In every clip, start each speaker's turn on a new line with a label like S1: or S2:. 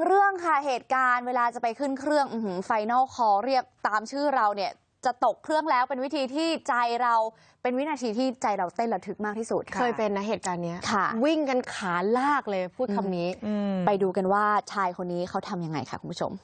S1: เรื่องค่ะเหตุการณ์เวลาจะไปขึ้นเครื่องไฟนอลคอลเรียกตามชื่อเราเนี่ยจะตกเครื่องแล้วเป็นวิธีที่ใจเราเป็นวินาทีที่ใจเราเต้นระทึกมากที่สุด
S2: เคยเป็นนะเหตุการณ์นี้วิ่งกันขาลากเลยพูดคำนี้
S1: ไปดูกันว่าชายคนนี้เขาทำยังไงค่ะคุณผู้ชม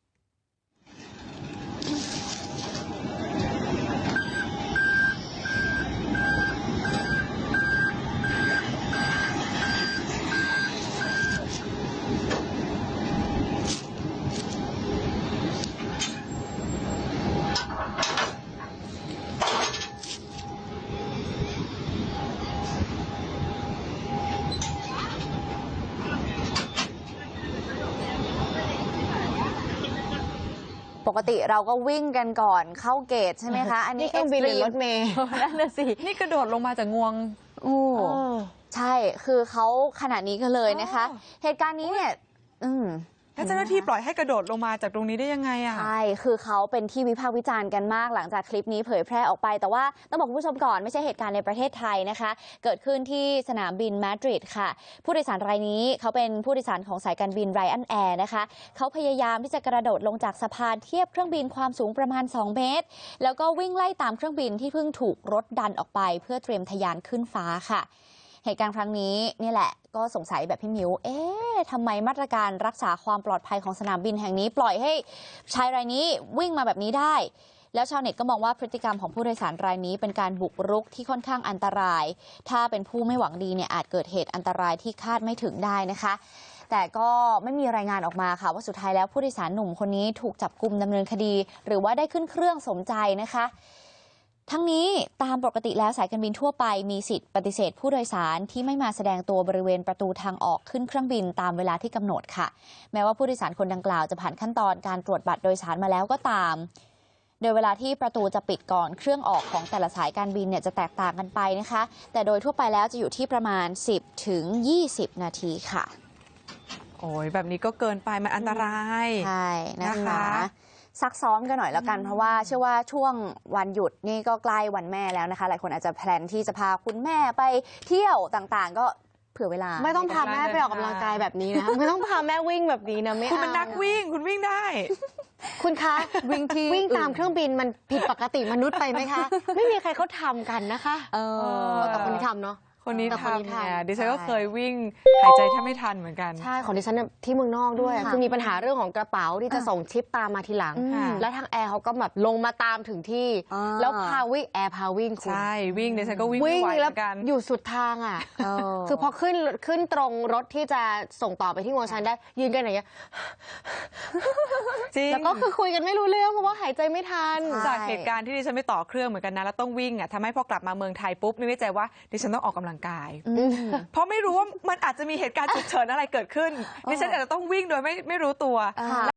S1: ปกติเราก็วิ่งกันก่อนเข้าเกตใช่ไหมคะอันนี้
S2: เครื่องบินหรือรถเมล์
S1: นั่นน่ะสิ
S3: นี่กระโดดลงมาจากงวง
S1: ใช่คือเขาขนาดนี้กันเลยนะคะเหตุการณ์นี้เนี่ย
S3: แล้วเจ้าหน้าที่ปล่อยให้กระโดดลงมาจากตรงนี้ได้ยังไงอ่ะ
S1: ใช่คือเขาเป็นที่วิพากษ์วิจารณ์กันมากหลังจากคลิปนี้เผยแพร่ออกไปแต่ว่าต้องบอกคุณผู้ชมก่อนไม่ใช่เหตุการณ์ในประเทศไทยนะคะเกิดขึ้นที่สนามบินมาดริดค่ะผู้โดยสารรายนี้เขาเป็นผู้โดยสารของสายการบินไรอันแอร์นะคะเขาพยายามที่จะกระโดดลงจากสะพานเทียบเครื่องบินความสูงประมาณ2 เมตรแล้วก็วิ่งไล่ตามเครื่องบินที่เพิ่งถูกรถดันออกไปเพื่อเตรียมทะยานขึ้นฟ้าค่ะเหตุการณ์ครั้งนี้นี่แหละก็สงสัยแบบพี่มิวทำไมมาตรการรักษาความปลอดภัยของสนามบินแห่งนี้ปล่อยให้ชายรายนี้วิ่งมาแบบนี้ได้แล้วชาวเน็ตก็มองว่าพฤติกรรมของผู้โดยสารรายนี้เป็นการบุกรุกที่ค่อนข้างอันตรายถ้าเป็นผู้ไม่หวังดีเนี่ยอาจเกิดเหตุอันตรายที่คาดไม่ถึงได้นะคะแต่ก็ไม่มีรายงานออกมาค่ะว่าสุดท้ายแล้วผู้โดยสารหนุ่มคนนี้ถูกจับกุมดำเนินคดีหรือว่าได้ขึ้นเครื่องสมใจนะคะทั้งนี้ตามปกติแล้วสายการบินทั่วไปมีสิทธิ์ปฏิเสธผู้โดยสารที่ไม่มาแสดงตัวบริเวณประตูทางออกขึ้นเครื่องบินตามเวลาที่กำหนดค่ะแม้ว่าผู้โดยสารคนดังกล่าวจะผ่านขั้นตอนการตรวจบัตรโดยสารมาแล้วก็ตามโดยเวลาที่ประตูจะปิดก่อนเครื่องออกของแต่ละสายการบินเนี่ยจะแตกต่างกันไปนะคะแต่โดยทั่วไปแล้วจะอยู่ที่ประมาณ10 ถึง 20 นาทีค่ะ
S3: โอ้ยแบบนี้ก็เกินไปมันอันตราย
S1: ใช่นะคะซักซ้อมกันหน่อยแล้วกันเพราะว่าเชื่อว่าช่วงวันหยุดนี่ก็ใกล้วันแม่แล้วนะคะหลายคนอาจจะแพลนที่จะพาคุณแม่ไปเที่ยวต่างๆก็เผื่อเวลา
S2: ไม่ต้องพาแม่ไปออกกำลังกายแบบนี้นะไม่ต้องพาแม่วิ่งแบบนี้นะไม่
S3: คุณเป็นนักวิ่งคุณวิ่งได้
S2: คุณคะวิ่งตามเครื่องบินมันผิดปกติมนุษย์ไปไหมคะไม่มีใครเขาทำกันนะคะแต่คนที่ทำเนาะ
S3: คนนี้ทำเนี่ยดิฉันก็เคยวิ่งหายใจแทบไม่ทันเหมือนกัน
S2: ใช่ของดิฉันที่เมืองนอกด้วยคือมีปัญหาเรื่องของกระเป๋าที่จะส่งชิปตามมาทีหลังแล้วทางแอร์เขาก็แบบลงมาตามถึงที่แล้วพาวิ่งแอร์พาวิ่ง
S3: ใช่วิ่งดิฉันก็วิ่งไม่ไหวเหมือนกัน
S2: อยู่สุดทางอ่ะคือพอขึ้นตรงรถที่จะส่งต่อไปที่งวงชันได้ยืนกันอย่างเงี้ย
S3: จริง
S2: แล้วก็คือคุยกันไม่รู้เรื่องเพราะว่าหายใจไม่ทัน
S3: จากเหตุการณ์ที่ดิฉันไม่ต่อเครื่องเหมือนกันนะแล้วต้องวิ่งอ่ะทำให้พอกลับมาเมืองไทยปุ๊บนึกในใจว่าดิฉันต้องออกกำลังกายเพราะไม่รู้ว่ามันอาจจะมีเหตุการณ์ฉุกเฉินอะไรเกิดขึ้นดิฉันอาจจะต้องวิ่งโดยไม่รู้ตัว